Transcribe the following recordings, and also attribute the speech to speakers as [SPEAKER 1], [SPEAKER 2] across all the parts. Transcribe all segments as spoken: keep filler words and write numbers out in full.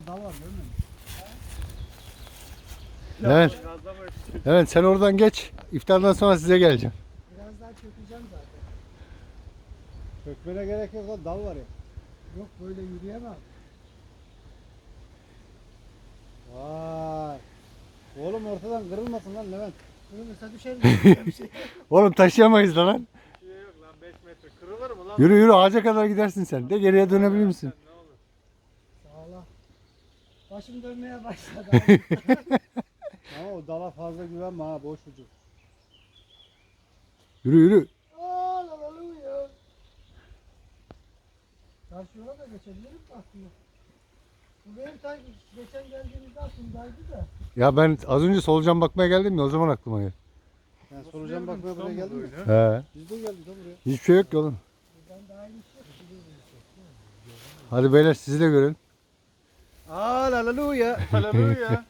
[SPEAKER 1] dal var değil mi?
[SPEAKER 2] Evet. Evet sen oradan geç. İftardan sonra size geleceğim.
[SPEAKER 1] Biraz daha çökeceğim zaten.
[SPEAKER 3] Çökmene gerek yok lan, dal var ya.
[SPEAKER 1] Yok böyle yürüyemem.
[SPEAKER 3] Vay. Oğlum ortadan kırılmasın lan Levent.
[SPEAKER 1] Kırılırsa düşerim. Bir şey.
[SPEAKER 2] Oğlum taşıyamayız da lan.
[SPEAKER 4] Bir şey yok lan, beş metre. Kırılır mı lan?
[SPEAKER 2] Yürü yürü ağaca kadar gidersin sen. De geriye dönebilir misin?
[SPEAKER 4] Ne olur.
[SPEAKER 1] Sağ ol. Başım dönmeye başladı.
[SPEAKER 3] Ama o dala fazla güvenme ha, boş ucu.
[SPEAKER 2] Yürü yürü.
[SPEAKER 1] Hallelujah. Karşı yola da geçebilirim aslında. Bu benim sanki geçen geldiğimizde aklımdaydı da.
[SPEAKER 2] Ya ben az önce solucan bakmaya geldim ya o zaman aklıma geldi.
[SPEAKER 3] Yani solucan bakmaya buraya geldin mi?
[SPEAKER 2] He.
[SPEAKER 3] Biz de geldik lan buraya.
[SPEAKER 2] Hiçbir şey yok ki oğlum.
[SPEAKER 1] Buradan daha iyi bir şey yok.
[SPEAKER 2] Hadi beyler sizi de görün.
[SPEAKER 3] Hallelujah.
[SPEAKER 4] Haleluya.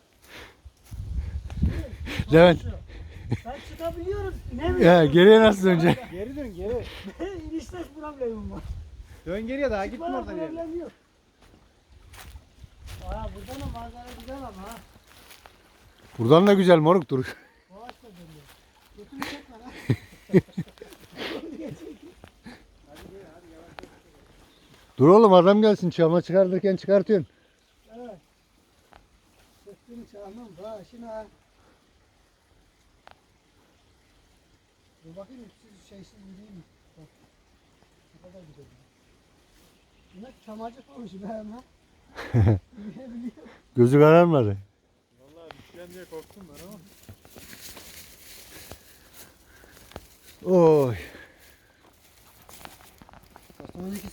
[SPEAKER 2] Levent.
[SPEAKER 1] Ben çıkabiliyorum. Ne
[SPEAKER 2] Ya
[SPEAKER 1] bileyim.
[SPEAKER 2] geriye nasıl dönecek?
[SPEAKER 3] Geri dön geri.
[SPEAKER 1] İnişte problemim var.
[SPEAKER 3] Dön geriye, daha gitme
[SPEAKER 1] Bana
[SPEAKER 3] oradan yere.
[SPEAKER 1] problem yok. Aa buradan da manzara güzel ama ha.
[SPEAKER 2] Buradan da güzel moruk dur.
[SPEAKER 1] Boğaç da dönüyor. Götümü çekme lan.
[SPEAKER 2] Dur oğlum adam gelsin çama çıkartırken çıkartıyorsun.
[SPEAKER 1] Evet. Sesini çalmam başına. Dur bakayım siz şeysiz yürüyeyim mi? Bak. Ne kadar güzel. Buna çamacık olmuş be hemen. Yürüyebiliyor.
[SPEAKER 2] Gözü kararmadı.
[SPEAKER 4] Vallahi düşeceğim diye korktum ben ama.
[SPEAKER 2] Oy.
[SPEAKER 1] Son iki